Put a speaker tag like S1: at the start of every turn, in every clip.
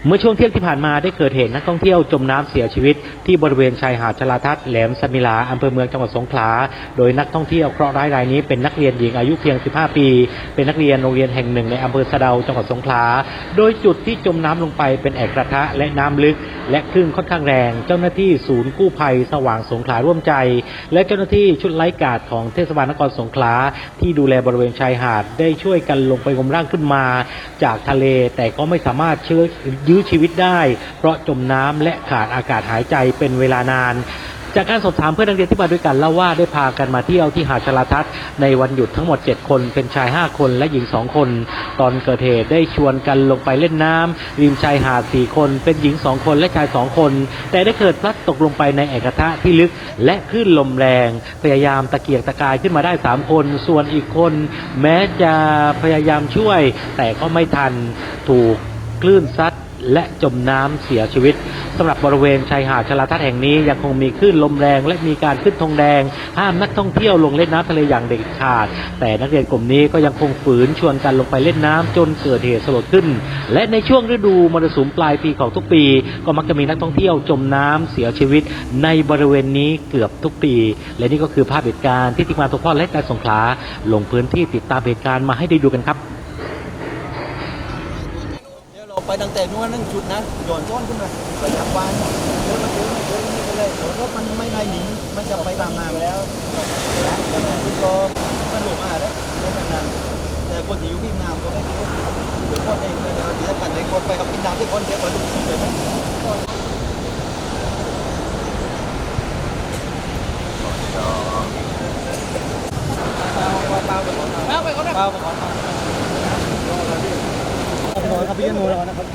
S1: เมื่อช่วงเที่ยงที่ผ่านมาได้เกิดเหตุนักท่องเที่ยวจมน้ำเสียชีวิตที่บริเวณชายหาดชลาทัศน์แหลมสมิลาอำเภอเมืองจังหวัดสงขลาโดยนักท่องเที่ยวเคราะห์ร้ายรายนี้เป็นนักเรียนหญิงอายุเพียง 15 ปี เป็นนักเรียนโรงเรียนแห่งหนึ่งในอำเภอสะเดาจังหวัดสงขลาโดยจุดที่จมน้ำลงไปเป็นแอ่งกระทะและน้ำลึกและคลื่นค่อนข้างแรงเจ้าหน้าที่ศูนย์กู้ภัยสว่างสงขลาร่วมใจและเจ้าหน้าที่ชุดไลฟ์การ์ดของเทศบาลนครสงขลาที่ดูแลบริเวณชายหาดได้ช่วยกันลงไปงมร่างขึ้นมาจากทะเลแต่ก็ไม่สามารถยื้อชีวิตได้เพราะจมน้ำและขาดอากาศหายใจเป็นเวลานานจากการสอบถามเพื่อนนักเรียนที่มาด้วยกันเล่าว่าได้พากันมาเที่ยวที่หาดชลาทัศน์ในวันหยุดทั้งหมด7คนเป็นชาย5คนและหญิง2คนตอนเกิดเหตุได้ชวนกันลงไปเล่นน้ำริมชายหาด4คนเป็นหญิง2คนและชาย2คนแต่ได้เกิดพลัดตกลงไปในแอ่งกระทะที่ลึกและคลื่นลมแรงพยายามตะเกียกตะกายขึ้นมาได้3คนส่วนอีกคนแม้จะพยายามช่วยแต่ก็ไม่ทันถูกคลื่นซัดและจมน้ำเสียชีวิตสำหรับบริเวณชายหาดชลาทัศน์แห่งนี้ยังคงมีคลื่นลมแรงและมีการขึ้นธงแดงห้ามนักท่องเที่ยวลงเล่นน้ำทะเลอย่างเด็ดขาดแต่นักเรียนกลุ่มนี้ก็ยังคงฝืนชวนกันลงไปเล่นน้ำจนเกิดเหตุสลดขึ้นและในช่วงฤดูมรสุมปลายปีของทุกปีก็มักจะมีนักท่องเที่ยวจมน้ำเสียชีวิตในบริเวณนี้เกือบทุกปีและนี่ก็คือภาพเหตุการณ์ที่ทีมงานทุกพ่อและการสงขลาลงพื้นที่ติดตามเหตุการณ์มาให้ได้ดูกันครับ
S2: ไปตั้งแต่นู้นนั่งชุดนะโยนซ้อนขึ้นมาไปจับวานเดินมาเจอนี่ไปเลยรถมันไม่ได้หนีมันจะไปตามน้ำแล้วก็มันหลงมาแล้วไม่เป็นนั้นแต่คนที่อยู่ที่น้ำก็ไม่รู้เดี๋ยวคนเองเลยเดี๋ยวกันในคนไปกับกินน้ำที่คนเดียวไปดูเลยนะเปล่าไปก่อนเปล่าไปก่อนครับพี่โนแล้วนะครับ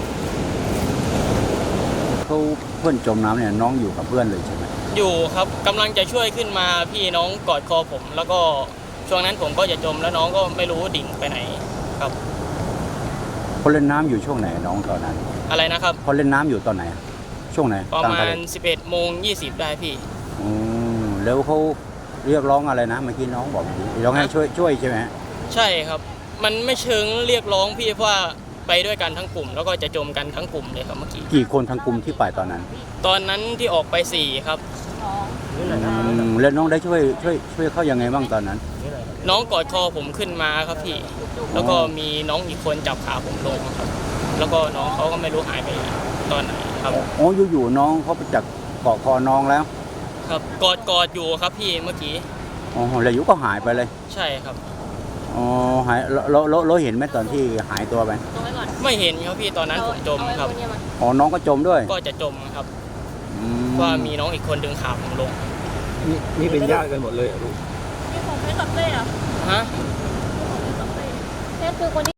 S3: เขาเพื่อนจมน้ำเนี่ยน้องอยู่กับเพื่อนเลยใช่ไหม
S4: อยู่ครับกำลังจะช่วยขึ้นมาพี่น้องกอดคอผมแล้วก็ช่วงนั้นผมก็จะจมแล้วน้องก็ไม่รู้ดิ่งไปไหนครับ
S3: เขาเล่นน้ำอยู่ช่วงไหนน้องตอนนั้น
S4: อะไรนะครับ
S3: เขาเล่นน้ำอยู่ตอนไหนช่วงไหน
S4: ประมาณ 11:20 ได้พี่
S3: แล้วเขาเรียกร้องอะไรนะเมื่อกี้น้องบอกร้องให้ช่วยใช่ไหม
S4: ใช่ครับมันไม่เชิงเรียกร้องพี่เพราะว่าไปด้วยกันทั้งกลุ่มแล้วก็จะจมกันทั้งกลุ่มเลยครับเมื่อกี้
S3: กี่คนทั้งกลุ่มที่ไปตอนนั้น
S4: ที่ออกไป4ครับ
S3: แล้วน้องได้ช่วยเขายังไงบ้างตอนนั้น
S4: น้องกอดคอผมขึ้นมาครับพี่แล้วก็มีน้องอีกคนจับขาผมลงครับแล้วก็น้องเขาก็ไม่รู้หายไปตอนไหนครับ
S3: อ๋ออยู่น้องเขาไปจับเกาะคอน้องแล้ว
S4: ครับกอดอยู่ครับพี่เมื่อกี้
S3: อ๋อแล้วอยู่ก็หายไปเลย
S4: ใช่ครับ
S3: อ๋อหายเราเห็นไหมตอนที่หายตัวไป
S4: ไม่เห็นครับพี่ตอนนั้นผมจมครับ
S3: อ๋อน้องก็จมด้วย
S4: ก็จะจมครับว่ามีน้องอีกคนดึงขาผมลง
S2: นี่เป็นญาติกันหมดเลยลูก
S5: นี่ผมไม่ตัดเต้อะ
S4: ฮะ
S5: เต้คือคนที่